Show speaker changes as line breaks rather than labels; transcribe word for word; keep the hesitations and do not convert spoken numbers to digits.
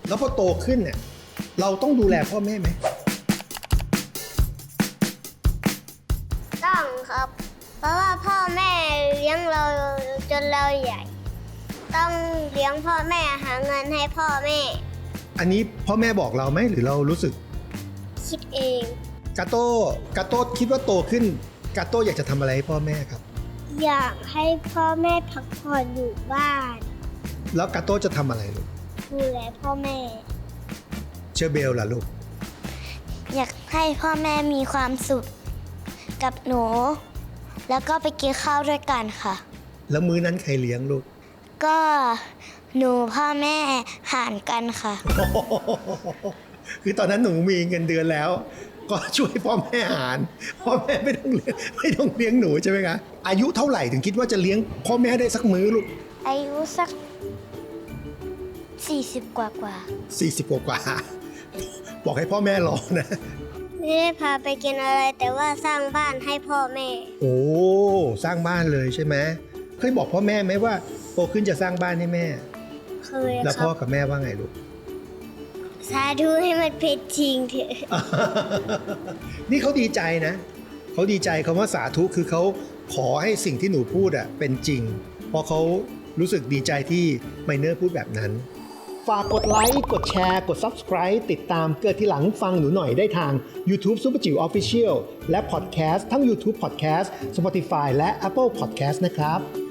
แล้วพอโตขึ้นเนี่ยเราต้องดูแลพ่อแม่ไหม
ต้องครับเพราะว่าพ่อแม่เลี้ยงเราจนเราใหญ่ต้องเลี้ยงพ่อแม่หาเงินให้พ่อแม่
อันนี้พ่อแม่บอกเราไหมหรือเรารู้สึก
คิดเอง
กาโต้กาโต้คิดว่าโตขึ้นกาโต้อยากจะทำอะไรให้พ่อแม่ครับ
อยากให้พ่อแม่พักผ่อนอยู่บ้าน
แล้วกาโต้จะทำอะไรลูก
ดูแลพ่อแม่
เชอร์เบลล่ะลูก
อยากให้พ่อแม่มีความสุขกับหนูแล้วก็ไปกินข้าวด้วยกันค่ะ
แล้วมื้อนั้นใครเลี้ยงลูก
ก็หนูพ่อแม่หารกันค่ะ
คือตอนนั้นหนูมีเงินเดือนแล้วก็ช่วยพ่อแม่หารพ่อแม่ไม่ต้องเลี้ยงไม่ต้องเลี้ยงหนูใช่ไหมคะอายุเท่าไหร่ถึงคิดว่าจะเลี้ยงพ่อแม่ได้สักมื้อลูก
อายุสักสี่สิบกว่ากว่า
สี่สิบกว่าบอกให้พ่อแม่รอนะ
ไม่ได้พาไปกินอะไรแต่ว่าสร้างบ้านให้พ่อแม่
โอ้สร้างบ้านเลยใช่ไหมเคยบอกพ่อแม่ไหมว่าโตขึ้นจะสร้างบ้านให้แม่
เคยครับ
แล้วพ่อกับแม่ว่าไงลูก
สาธุให้มันเป็นจริงเถอะ
นี่เขาดีใจนะเขาดีใจคำว่าสาธุคือเขาขอให้สิ่งที่หนูพูดอ่ะเป็นจริงเพราะเขารู้สึกดีใจที่ไมเนอร์พูดแบบนั้นฝากกดไลค์กดแชร์กด Subscribe ติดตามเกิดทีหลังฟังหนูหน่อยได้ทาง YouTube Super จิ๋ว Official และ Podcast ทั้ง YouTube Podcast Spotify และ Apple Podcast นะครับ